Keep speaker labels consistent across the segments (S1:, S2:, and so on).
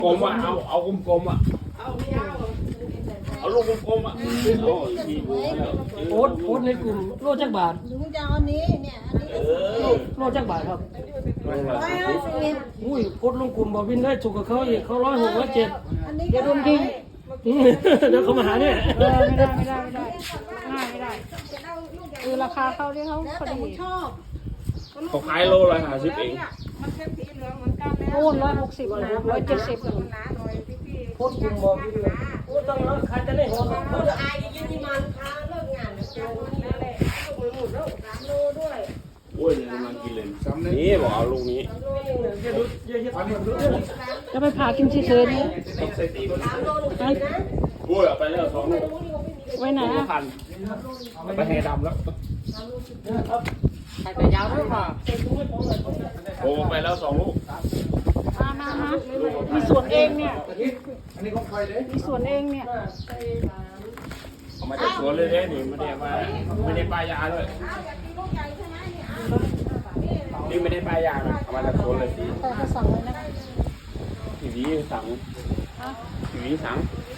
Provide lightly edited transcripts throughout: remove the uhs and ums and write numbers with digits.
S1: กลมอ่ะเอากลมๆอ่ะเอาลูกกลมๆอ่ะ
S2: โพสในกลุ่มโลจักบาท
S3: ลุงจะเอาอันนี้เนี่ยอันนี้
S2: โลจักบาทครับ
S3: 150
S2: อุ้ยโพสลงกลุ่มบอกวินได้ถูกกับเขาอีกเขา106
S3: อันนี้
S2: 107อย่าโดนทิ้งเดี๋ยวเขามาหาเนี่ย
S4: ไม่ได้ง่ายไม่ได้คือราคาเขาที่เขา
S3: แล้ว
S4: พอ
S3: แต่
S4: ดี
S3: มึงชอบ
S1: เขาขายโล150เอง
S4: โอน160นะ170
S2: โพสกลุ่มบอกวินเลยโอ้ต้องแล้วใครจะได้หัวเขาจะ
S3: อายยืนที่มันค้าเลิกงานจะเอาอันนี้แหละลูกมันหมดแล้ว3 โลด้วย
S1: โอ้ยเนี่ยมันกินเลยนี่บอกเอาลูกนี้
S4: จะไปผ่ากินเฉยๆนี่
S1: ต้องใส่ตีก่อน
S3: 3 โลหนูกินนะ
S1: โอ้ยเอาไปแล้ว2 ลูก
S4: ไว้ไหนอ่ะ
S1: พันไปแห่ดำแล้ว
S2: ใครแต่ยาวด้วยป่ะ
S1: โอ้ไปแล้ว2 ลูก
S4: มามีส่วนเองเนี่ยมีส่วนเองเนี่ย
S1: เอามาจากสวนเลยเนี่ยนี่ไม่ได้ป้ายยาเลย
S3: เอาอยากกินลูกใหญ่ใช่ไหมเนี่ยเอา
S1: นี่ไม่ได้ป้ายยานะเอามาจากสวนเลย
S4: แต่เขาสั่งไว้นะ
S1: ทีนี้สั่งทีนี้สั่ง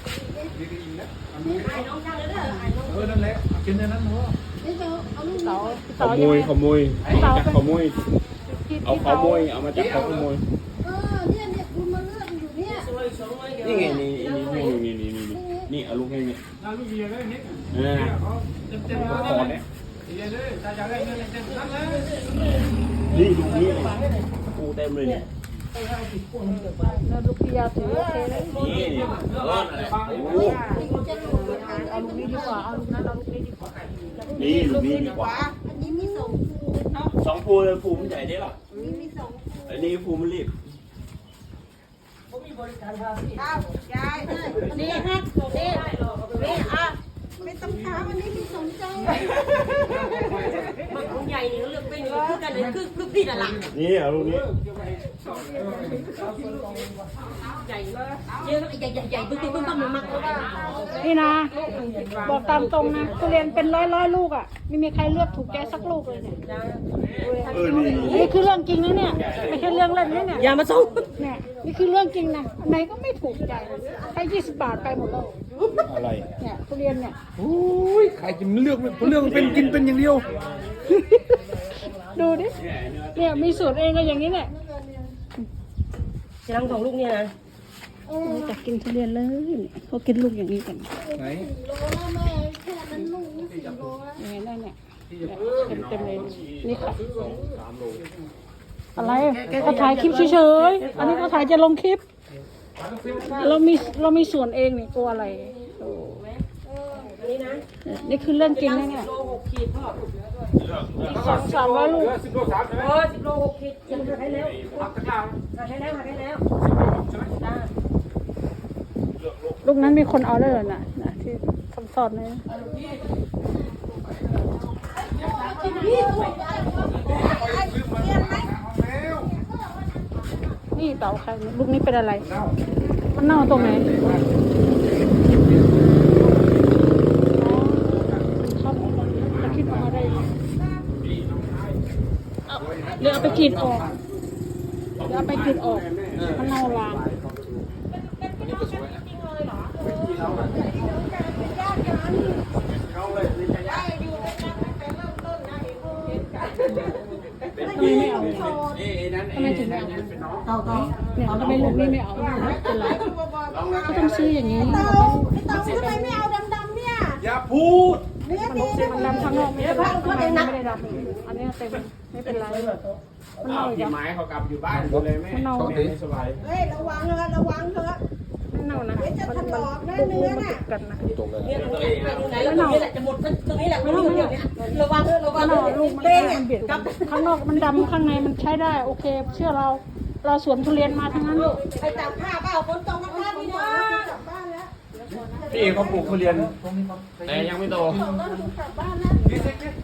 S3: นี่จะเอาลูก
S4: เต๋า
S1: ขโมยเอามาจากขโมย
S4: ที่
S1: เอาขโมยเอามาจากขโมย
S3: เนี่ยคุณมาเลือกอยู่เนี่ย
S1: นี่ไงนี่เอาลูกให้นี่คอเนี่ยนี่ลูกนี้ปูเต็มเลยเนี่ย
S4: แล้วลูกพิยาถือโอเคเลย
S1: นี่โอ้
S4: เอาลูกนี้ดีกว่าเอาลูกนั้นเอาลูกนี้ดีกว่า
S1: นี่ลูกนี้ดีกว่า
S3: อันนี้มี2
S1: 2 ภูเลยภูมันใหญ่ได้หรอ
S3: นี่มี2
S1: อันนี้ภูมันรีบ
S3: อ้าวยายนี่ฮะนี่อ่ะไม่ต้องถามอันนี้มี2 ใจมันของใหญ่นี่เลือกเป็นคือกันเลยคือพี่น่ะล่ะ
S1: นี่เอาลูกนี้
S3: ใหญ่เยอะใหญ่บึ้งมันมักเลย
S4: นี่นะบอกตามตรงนะทุเรียนเป็นร้อยลูกอ่ะไม่มีใครเลือกถูกใจสักลูกเลยเนี่ย นี่คือเรื่องจริงนะเนี่ยไม่ใช่เรื่องเล่นนะเนี่ย
S2: อย่ามาส่ง
S4: เนี่ยนี่คือเรื่องจริงนะอันไหนก็ไม่ถูกใจให้20 บาทไปหมดแล้ว
S5: อะไร
S4: เนี่ยทุเรียนเนี่ย
S5: โอ้ยใครจะเลือกเรื่องเป็นกินเป็นอย่างเดียว
S4: ดูดิเนี่ยมีสูตรเองก็อย่างนี้แหละ
S2: จะรังของลูกเนี่ยนะ
S4: จะกินทุเรียนเลยเขากินลูกอย่างนี้กัน
S5: ไหน
S3: โลละแม่แค่นั้นลูกนี่4 โลละ
S4: อย่างนี้ได้เนี่ยเต็มเลยนี่ค่ะอะไรเขาถ่ายคลิปเฉยๆอันนี้เขาถ่ายจะลงคลิปเรามีส่วนเองนี่กลัวอะไรนี่คือเรื่องจริงนะเนี่ย200-300 ลูก
S2: 10 โล6 ขีดยังหักให้แล้วหักให้แล้ว
S4: ลูกนั้นมีคนเอาได้เลยนะที่คำสอนเลยนี่เต่าใครลูกนี้เป็นอะไรมันเน่าตรงไหนชอบจะคิดออกมาได้เดี๋ยวเอาไปกรีดออกมันเน่าลามทำไมไม่เอาทำไมถึงไม่เอาเนี่ยทำไมลูกนี้ไม่เอาเป็นไรก็ต้องซื้ออย่างนี้
S3: เตาทำไมไม่เอาดำๆเนี่ย
S1: อย่าพูด
S3: เนื้อดี
S4: มันดำข้างนอกไม่ได้ไม่ได้ดำอันนี้เต็มไม่เป็นไรมัน
S1: เอา
S4: เน่าอีก
S1: พี่
S4: อ่ะ
S1: ไม้เขากลับอยู่บ้านเลยแม่ไม่สบาย
S3: เฮ้ยระวังเถอะ
S4: ไม่เน่านะมันดูมันติดกันนะ
S5: ตรงเลย
S2: เนี่ยไหนแล้วตรงนี้แหละจะหมดตรงนี้แหละไม่ต้องเดี๋ยวนี้ระวัง
S4: มันเน่าลูกมันเบียดกันข้างนอกมันดำข้างในมันใช้ได้โอเคเชื่อเราสวนทุเรียนมาทั้งนั้น
S3: ไปจับผ้าเปล่าฝนตกผ้าพี่นะกลับบ้านแล้ว
S1: พี่เขาปลูกทุเรียนแต่ยังไม่โต
S3: ต้องกลับบ้านแล้ว